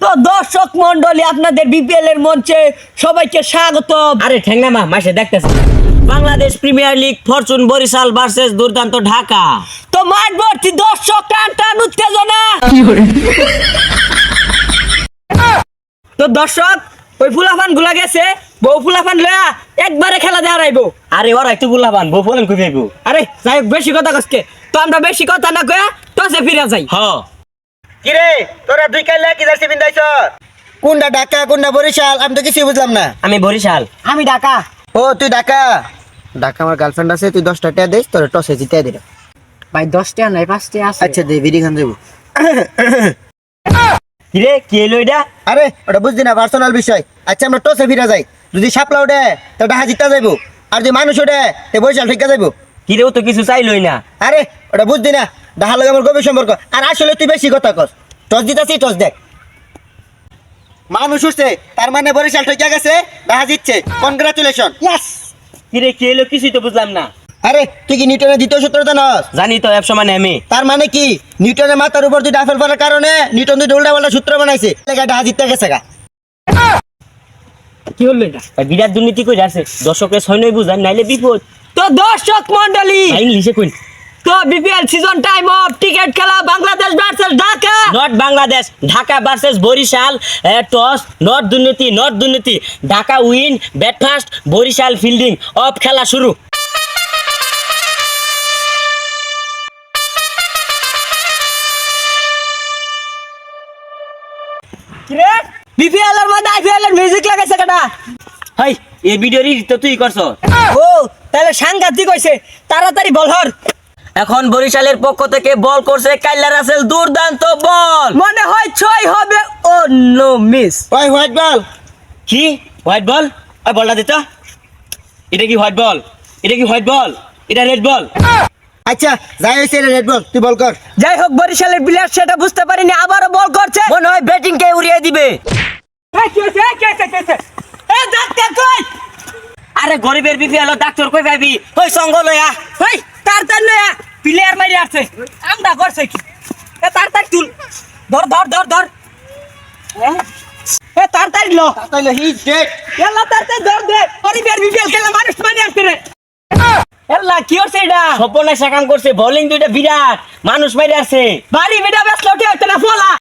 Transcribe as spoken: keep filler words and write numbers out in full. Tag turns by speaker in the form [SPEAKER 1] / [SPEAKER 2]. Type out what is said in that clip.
[SPEAKER 1] তো দর্শক মন্ডলী আপনাদের বিপিএল এর মঞ্চে সবাইকে স্বাগত।
[SPEAKER 2] আরে ঠেঙ্গা মা মাসে দেখতেছি Bangladesh Premier League Fortune Barishal versus Durdanto Dhaka.
[SPEAKER 1] তো মাঠ ভর্তি দর্শক, টান টান উত্তেজনা। তো দর্শক, ওই ফুলাফান গুলা গেছে, বউ ফুলাফান লয়া একবারে খেলা দেওয়া রাইবো।
[SPEAKER 2] আরে ওরা একটু বুলাবান বউ ফলেন কই যাইবো।
[SPEAKER 1] আরে যাই হোক, বেশি কথা কসকে, তো আমরা বেশি কথা না কয়া টসে ফিরে যাই।
[SPEAKER 2] হ
[SPEAKER 3] কিরে তোরা দুই কাইলা কি জার্সি পিন্দাইছ? কোনটা ঢাকা কোনটা বরিশাল আমি তো কিছু বুঝলাম না।
[SPEAKER 2] আমি বরিশাল।
[SPEAKER 1] আমি ঢাকা।
[SPEAKER 3] ও তুই ঢাকা? ঢাকা আমার গার্লফ্রেন্ড আছে, তুই দশটা টাকা দিস, তোর টসে জিতে দিল।
[SPEAKER 1] ভাই দশটা নাই পাঁচটা আছে।
[SPEAKER 3] আচ্ছা দে বিড়ি খান দেবো।
[SPEAKER 2] কিরে কি এলো এটা?
[SPEAKER 3] আরে ওটা বুঝলি না, পার্সোনাল বিষয়। আচ্ছা আমরা টসে ফিরে যাই, যদি সাপলা ওঠে তো ঢাকা জিতা যাইবো, আর যদি মানুষ ওঠে তো বরিশাল ঠিক যাইবো।
[SPEAKER 2] কিরেও তো কিছু চাইলই না।
[SPEAKER 3] আরে ওটা বুঝলি না, ঢাকার লগে আমার গভীর সম্পর্ক। আর আসলে তুই বেশি কথা কস। টস জিতাছি, টস দেখ। মানুষ উঠছে তার মানে বরিশাল ঠিক গেছে, ঢাকা জিতছে। কনগ্রাচুলেশন।
[SPEAKER 1] ইয়েস।
[SPEAKER 2] কিরে কি এলো কিছুই তো বুঝলাম না।
[SPEAKER 3] আরে তুই কি নিউটনের দ্বিতীয় সূত্রটা নস?
[SPEAKER 2] জানি তো একশো মানে আমি।
[SPEAKER 3] তার মানে কি নিউটনের মাথার উপর দুইটা আপেল পড়ার কারণে নিউটন দুইটা উল্টা পাল্টা সূত্র বানাইছে, লেখা ঢাকা জিততে গেছে গা।
[SPEAKER 1] কি হলো এটা?
[SPEAKER 2] ভাই বিরাট দুর্নীতি কই যাচ্ছে, দর্শকের সৈন্যই বুঝান নাইলে বিপদ।
[SPEAKER 1] তো দর্শক মন্ডলী,
[SPEAKER 2] ভাই ইংলিশে কই।
[SPEAKER 1] তো BPL season time of ticket খেলা Bangladesh versus Dhaka.
[SPEAKER 2] Not Bangladesh, Dhaka versus Barishal. Toss not দুর্নীতি, নট দুর্নীতি। Dhaka win, bat first, Barishal fielding. Of খেলা শুরু।
[SPEAKER 1] কিরে বিপিএল এর মধ্যে আইপিএল এর মিউজিক লাগাইছে কেডা?
[SPEAKER 2] হাই এই ভিডিওর তো তুই করছ।
[SPEAKER 1] ও তাহলে সাংঘাতিক হইছে, তাড়াতাড়ি বল হর।
[SPEAKER 2] এখন বরিশালের পক্ষ থেকে বল করছে কাইলা রাসেল, দুর্দান্ত বল।
[SPEAKER 1] মনে হয় ছয় হবে। ও নো মিস।
[SPEAKER 3] ওই হোয়াইট বল।
[SPEAKER 2] কি হোয়াইট বল? ওই বলটা দিত। এটা কি হোয়াইট বল? এটা কি হোয়াইট বল? এটা রেড বল।
[SPEAKER 3] আচ্ছা যাই হয়েছে রেড বল, তুই বল কর।
[SPEAKER 1] যাই হোক, বরিশালের প্লেয়ার সেটা বুঝতে পারিনি, আবারও বল করছে।
[SPEAKER 2] মনে হয় ব্যাটিং কে উড়িয়ে দিবে।
[SPEAKER 1] এই কি হইছে? এই কি হইছে? কি হইছে? এ ডাক্তার কই?
[SPEAKER 2] আরে গরিবের বিপিএল ডাক্তার কই পাবি? ওই সঙ্গ লয়া।
[SPEAKER 1] ওই তাড়াতাড়ি লয়া, প্লেয়ার মারি আছে। আমরা করছে কি? এ তাড়াতাড়ি তুল। ধর ধর ধর ধর। হ্যাঁ? এ তাড়াতাড়ি ল।
[SPEAKER 3] তাহলে হি ডেড।
[SPEAKER 1] এলা তাড়াতাড়ি ধর দে। গরিবের বিপিএল খেলা মানুষ মারি আছে রে। এলা কি হইছে এটা?
[SPEAKER 2] সপনা সাকাম করছে, বোলিং দুইটা বিরাট, মানুষ মাইরে আছে।
[SPEAKER 1] বাড়ি বেটা ব্যস্ত উঠে হইতে না ফলা।